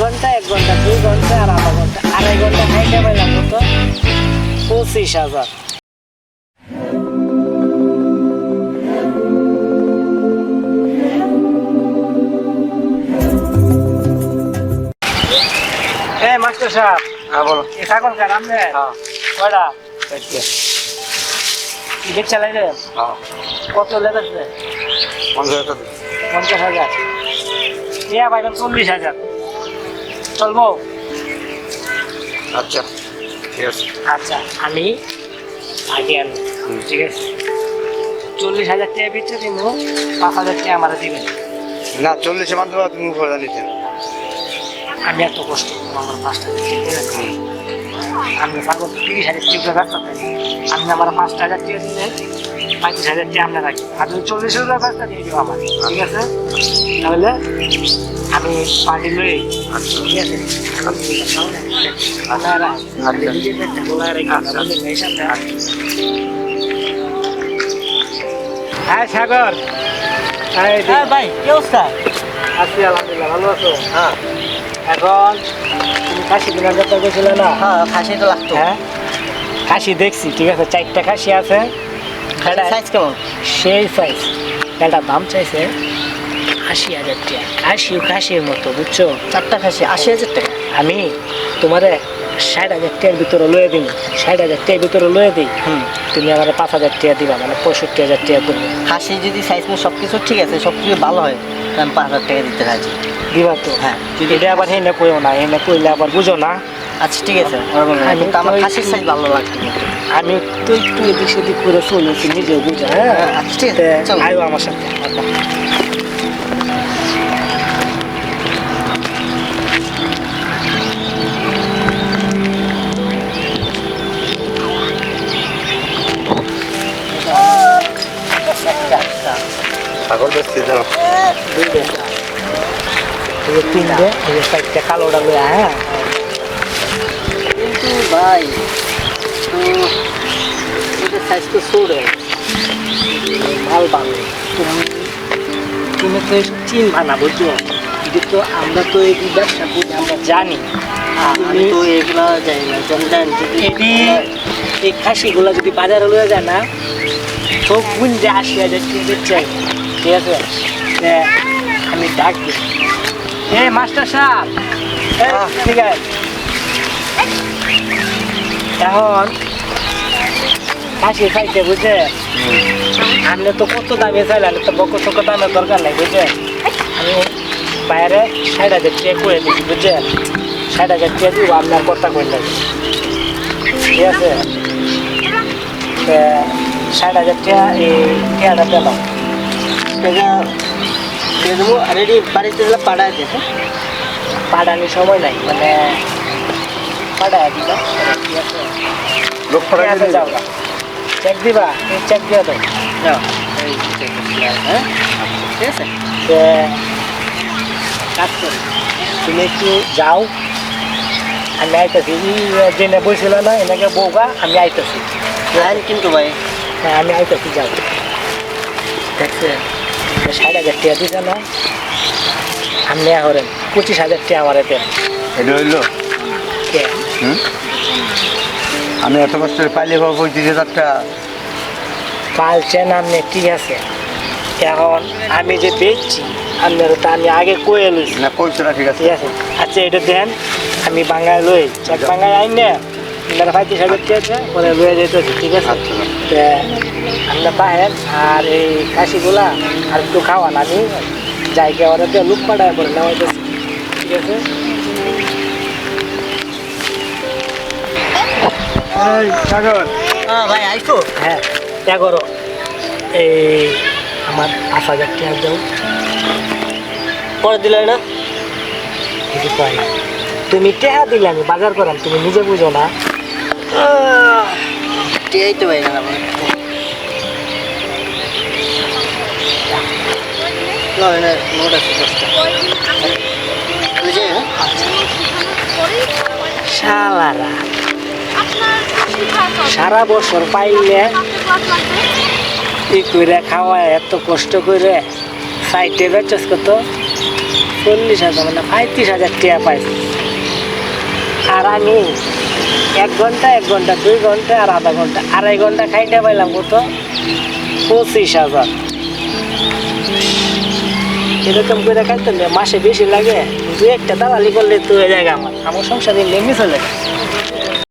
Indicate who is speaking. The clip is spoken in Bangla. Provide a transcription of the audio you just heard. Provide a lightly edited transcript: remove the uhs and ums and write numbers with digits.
Speaker 1: ঘন্টা 1 ঘন্টা 2 ঘন্টা আর আধা ঘন্টা 2.5 ঘন্টা খাইতে পাইলাম কত 25,000। মাস্টার সাহেব,
Speaker 2: হ্যাঁ বলো।
Speaker 1: এই ছাগল কার আমনে?
Speaker 2: হ্যাঁ
Speaker 1: কয়টা?
Speaker 2: আচ্ছা।
Speaker 1: ঈদের চালাই রে?
Speaker 2: হ্যাঁ
Speaker 1: কত লেগেছে?
Speaker 2: 50,000 টাকা।
Speaker 1: 50,000। ইয়া পাইবেন 40,000। চলবো?
Speaker 2: আচ্ছা ঠিক আছে।
Speaker 1: আচ্ছা, আমি আগে আনবো, ঠিক আছে? 40,000 টাকা বেচে দিব, 5,000 টাকা আমার দিবেন।
Speaker 2: না 40 মান দেওয়া তুমি করে নিতে।
Speaker 1: আমি এত কষ্ট করবো, আমার 5,000 টাকা দিবেন। আমি ছাগল 30,000 টাকা ব্যস্ত থাকি, আপনি আমার 5,000 টাকা দিলে 35,000 টাকা আপনার রাখি, আর যদি 40,000 ব্যস্ত দিয়ে দিব আমার, ঠিক আছে? তাহলে আমি পার্টি লই, ঠিক আছে? আপনারা নিজের পেটটা গোলায় রেখে আপনাদের মেয়ের সাথে। হ্যাঁ সাগর,
Speaker 3: হ্যাঁ ভাই, কি অবস্থা?
Speaker 1: আছি আলহামদুলিল্লাহ, ভালো আছো?
Speaker 3: হ্যাঁ
Speaker 1: এখন তুমি খাসি কেনার ব্যাপার করছিলে না?
Speaker 3: হ্যাঁ, খাসি তো লাগতো।
Speaker 1: হ্যাঁ, খাসি দেখছি, ঠিক আছে, 4টা খাসি আছে।
Speaker 3: সাইজ কেমন?
Speaker 1: সেই সাইজ। একটা দাম চাইছে 80,000 টাকা, খাসির মতো, বুঝছো?
Speaker 3: 4টা খাসি 80,000 টাকা।
Speaker 1: আমি তোমারে 60,000 টাকার ভিতরে লয়ে দিই, 60,000 টাকার ভিতরে লয়ে দিই, তুমি আমার 5,000 টাকা দিবা, মানে 65,000 টাকা করবে।
Speaker 3: খাসি যদি সাইজ মতো সব কিছু ঠিক আছে, সব কিছু ভালো হয়, তাহলে আমি 5,000 টাকা দিতে রাজি।
Speaker 1: দিবা তো?
Speaker 3: হ্যাঁ।
Speaker 1: যদি এটা আবার হেনে কইও না, হেনে কইলে আবার বুঝো না।
Speaker 3: আচ্ছা ঠিক আছে, কিন্তু আমার খাসির সাইজ ভালো লাগতো।
Speaker 1: আমি তো একটু এদিক সেদিক করে চলেছি, নিজেও বুঝো। হ্যাঁ
Speaker 3: আচ্ছা ঠিক আছে, চলো।
Speaker 1: আয়ো আমার সাথে।
Speaker 2: ছাগল বেচতে যাও।
Speaker 1: 3টে, 4টা কালোটা লইয়া। হ্যাঁ,
Speaker 3: কিন্তু ভাই তো এটার সাইজ তো ছোট।
Speaker 1: মাল ভালো। তুমি তো চিনবা না, বুঝছো? এটা তো আমরা তো এই ব্যবসা করি, আমরা জানি।
Speaker 3: আমি তো এগুলা যাই না, জানেন
Speaker 1: এই খাসিগুলা যদি বাজারে লয়ে যায় না, সব গুঞ্জে 80,000 টাকা চাই, ঠিক আছে? আমি ডাক দিই, মাস্টার সাহেব, ঠিক আছে? এখন খাসি খাইতে, বুঝছে? আপনি তো কত দামে চাইলেন, তো বকর টকর দামের দরকার নাই, বুঝছে? আমি বাইরে 60,000 টাকা করে দিচ্ছি, বুঝছে? 60,000 টাকা দিব, আপনার কথা করলেন, ঠিক আছে? 60,000 টাকা এই টাকাটা পেলাম।
Speaker 3: টাকা দিয়ে দেবো। রেডি বাড়িতে গেলে পাঠায় দিতে।
Speaker 1: পাঠানোর সময় নাই, মানে পাঠায় দিবা, ঠিক আছে?
Speaker 2: লোক
Speaker 1: ঠিক আছে, যাও, চেক দিবা, চেক দিয়ে দাও।
Speaker 3: যাও, এই check করছি, হ্যাঁ ঠিক আছে।
Speaker 1: কাজ করি, তুমি একটু যাও, আমি আইতেছি। জেনে বসছিল না, এনেকে বউগা, আমি আইতেছি।
Speaker 3: লাইন কিন্তু ভাই।
Speaker 1: হ্যাঁ, আমি আইতেছি, যাও। দেখছে 60,000 টাকা দিছে না, আপনি হরেন 25,000 টাকা আমার এতে।
Speaker 2: এটা হইলো আমি এত কষ্ট পাইলে পাবো 35,000 টাকা।
Speaker 1: পালছেন আপনি, ঠিক আছে? এখন আমি যে বেচছি আপনার, তো আমি আগে কয়ে লইছি,
Speaker 2: না কইছো না, ঠিক আছে।
Speaker 1: ঠিক আছে? আচ্ছা, এটা দেন, আমি বাঙ্গায় লই, চেক বাঙ্গায় আইন না, আপনারা 35,000 টাকা পরে লয়ে যেতেছি, ঠিক আছে?
Speaker 2: আচ্ছা
Speaker 1: আমরা পাহেন, আর এই খাসিগুলা আর একটু খাওয়ান, আমি জায়গা ওরা দিয়ে লুক পাঠায় পরে নেওয়া যাচ্ছে, ঠিক আছে? সাগর,
Speaker 3: হ্যাঁ ভাই, আইসো।
Speaker 1: হ্যাঁ, ত্যাগ করো, এই আমার 5,000 টাকা দাও।
Speaker 3: পরে দিলে না?
Speaker 1: কিছু পাই না, তুমি টাকা দিলে আমি বাজার করাম, তুমি নিজে বুঝো না।
Speaker 3: টিয়াই তো ভাই না আমার। না না, নোট আছে 10টা। বুঝে হ্যাঁ?
Speaker 1: শালারা সারা বছর পাইলে ই করে খাওয়ায়, এত কষ্ট করে সাইডে বেচস কত 40,000 মানে 35,000 টাকা পাইছি। আর আমি 1 ঘন্টা 2 ঘন্টা আর আধা ঘন্টা 2.5 ঘন্টা খাইতে পাইলাম কত 25,000। এরকম করে খাইতে হলে মাসে বেশি লাগে, 2-1টা দালালি করলে তো হয়ে যায় আমার সংসারে নেমে চলে যায়।